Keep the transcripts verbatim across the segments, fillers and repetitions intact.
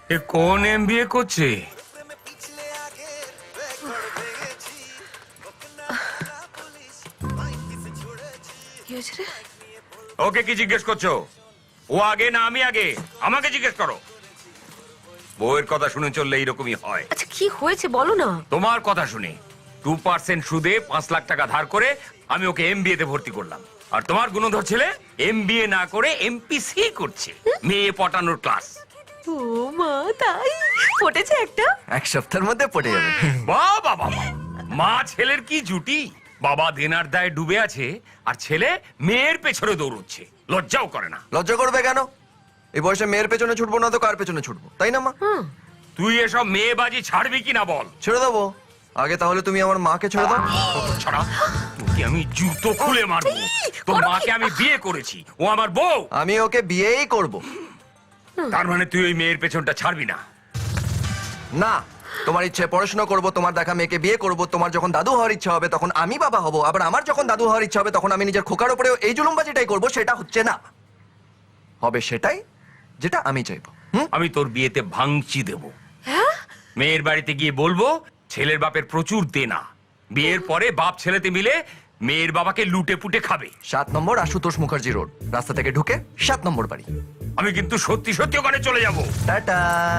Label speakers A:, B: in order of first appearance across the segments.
A: এ কোন এমবিএ করছে? ওকে কি জিজ্ঞেস করছো? ও আগে না আমি আগে? আমাকে জিজ্ঞেস করো। বউয়ের কথা শুনে চললে এইরকমই হয়।
B: আচ্ছা কি হয়েছে বলো না।
A: তোমার কথা শুনে টু পার্সেন্ট সুদে পাঁচ লাখ টাকা ধার করে আমি ওকে এমবিএ তে ভর্তি করলাম, আর তোমার গুণধর ছেলে এমবিএ না করে এমপিসি করছে, মেয়ে পটানোর ক্লাস।
B: ও মা, তাই পটেছে একটা?
C: এক সপ্তাহের মধ্যে পড়ে যাবে।
A: বাহ বাহ বাহ, মা ছেলের কি জুটি! বাবা দেনার দায়ে ডুবে আছে আর ছেলে মেয়ের পেছনে দৌড়চ্ছে, লজ্জাও করে না।
C: লজ্জা করবে কেন? এই বয়সে মেয়ের পেছনে ছুটবো না তো কার পেছনে ছুটবো, তাই না মা?
A: তুই এসব মেয়েবাজি ছাড়বি কিনা বল।
C: ছেড়ে দেবো। আগে তাহলে তুমি আমার মাকে ছেড়ে দাও।
A: ছাড়া তোকে আমি জুতো খুলে মারবো। তোর মাকে আমি বিয়ে করেছি, ও আমার বউ।
C: আমি ওকে বিয়েই করব।
A: তার মানে তুই ওই মেয়ের পেছনটা ছাড়বি না?
C: না, তোমার ইচ্ছে পড়াশোনা করব, তোমার দেখা মেয়েকে বিয়ে করব, তোমার যখন দাদু হওয়ার ইচ্ছা হবে তখন আমি বাবা হব, আবার আমার যখন দাদু হওয়ার ইচ্ছা হবে তখন আমি নিজের খোকার উপরেও এই জুলুমবাজিটাই করব। সেটা হচ্ছে না, হবে সেটাই যেটা আমি চাইবো। হুম?
A: আমি তোর বিয়েতে ভাঙচি দেব। মেয়ের বাড়িতে গিয়ে বলবো ছেলের বাপের প্রচুর দেনা, বিয়ের পরে বাপ ছেলেতে মিলে মেয়ের বাবাকে লুটে পুটে খাবে।
C: সাত নম্বর আশুতোষ মুখার্জি রোড, রাস্তা থেকে ঢুকে সাত নম্বর বাড়ি।
A: আমি কিন্তু সত্যি সত্যি ওখানে চলে যাব।
C: টাটা।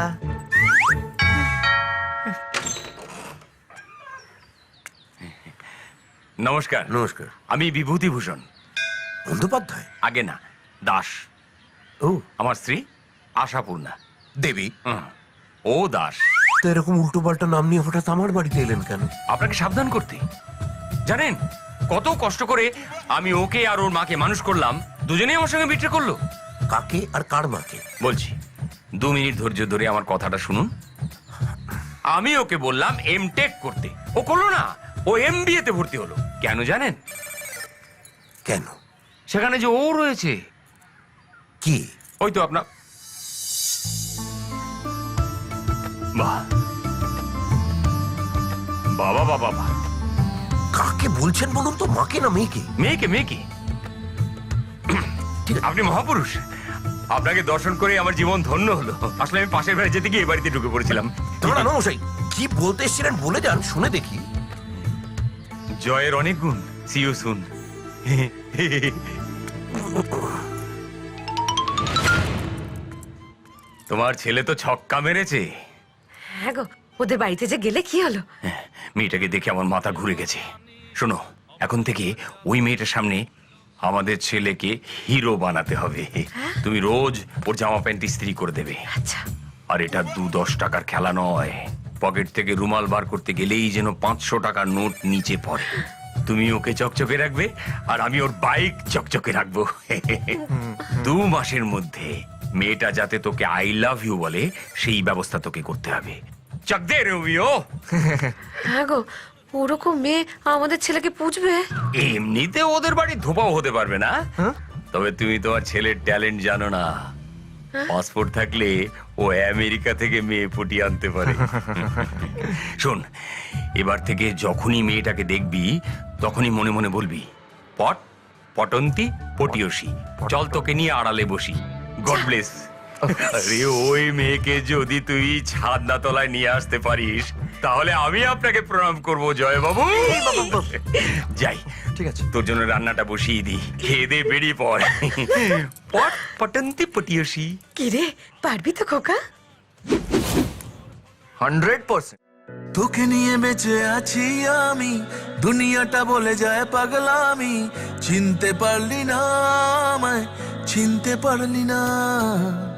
A: নমস্কার।
D: নমস্কার।
A: আমি বিভূতিভূষণ
D: বন্দ্যোপাধ্যায়?
A: আগে না, দাস।
D: ও,
A: আমার স্ত্রী আশাপূর্ণা
D: দেবী।
A: হুম, ও দাস।
D: তো এরকম উল্টো পাল্টা নাম নিয়ে হঠাৎ আমার বাড়িতে এলেন কেন?
A: আপনাকে সাবধান করতে। জানেন কত কষ্ট করে আমি ওকে আর ওর মাকে মানুষ করলাম, দুজনেই আমার সঙ্গে বিট্রে করলো।
D: কাকে আর কার মাকে?
A: বলছি, দু মিনিট ধৈর্য ধরে আমার কথাটা শুনুন। আমি ওকে বললাম এম টেক করতে, ও করলো না, ও এমবিএ তে ভর্তি হলো। কেন জানেন?
D: কেন?
A: সেখানে যে ও রয়েছে।
D: কি?
A: ওই তো আপনার। বাহ, বাবা বাবা বাবা।
D: কাকে বলছেন বলুন তো, মাকে না মেয়েকে?
A: মেয়েকে মেয়েকে আপনি মহাপুরুষ, আপনাকে দর্শন করে আমার জীবন ধন্য হলো। আসলে আমি পাশের বাড়ি যেতে গিয়ে এই বাড়িতে ঢুকে পড়েছিলাম।
D: তোমরা মশাই কি বলতে এসেছিলেন বলে যান, শুনে দেখি।
A: জয়ের অনেক গুণ। See you soon. তোমার ছেলে তো ছক্কা মেরেছে।
B: হ্যাঁ গো, ওদের বাড়িতে যে গেলে কি হলো?
A: মেয়েটাকে দেখে আমার মাথা ঘুরে গেছে। শোনো, এখন থেকে ওই মেয়েটার সামনে আমাদের ছেলেকে হিরো বানাতে হবে। তুমি রোজ ওর জামা প্যান্ট ইস্ত্রি করে দেবে।
B: আচ্ছা।
A: আর এটা দু দশ টাকার খেলা নয়। পকেট থেকে রুমাল বার করতে গেলেই যেন পাঁচশো টাকার নোট নিচে পড়ে। তুমি ওকে চকচকে রাখবে আর আমি ওর বাইক চকচকে রাখবো। দু মাসের মধ্যে মেয়েটা যাতে তোকে আই লাভ ইউ বলে সেই ব্যবস্থা তোকে করতে হবে। চক দে রোমিও।
B: হ্যাঁ গো, ওরকম মেয়ে আমাদের ছেলেকে পুজবে?
A: এমনিতে ওদের বাড়ি ধোপাও হতে পারবে না, তবে তুমি তোমার ছেলের ট্যালেন্ট জানো না। পাসপোর্ট থাকলে ও আমেরিকা থেকে মেয়ে পটিয়ে আনতে পারে। শোন, এবার থেকে যখনই মেয়েটাকে দেখবি তখনই মনে মনে বলবি পট পটন্তি পটিয়সী, চল তোকে নিয়ে আড়ালে বসি। God bless. আরে ওই মেয়েকে যদি তুই ছাদনা তলায় নিয়ে আসতে পারিস তাহলে আমি আপনাকে প্রণাম করব জয় বাবু। যাই,
C: ঠিক আছে।
A: তোর জন্য রান্নাটা বসিয়ে দিই, খেয়ে দে বেরিয়ে পড়। পট পটন্তি পটিয়সী।
B: কি রে, পারবি তো খোকা?
C: Hundred percent.
E: তোকে নিয়ে বেঁচে আছি আমি, দুনিয়াটা বলে যায় পাগলামি। চিনতে পারলি না আমায়, চিনতে পারলি না।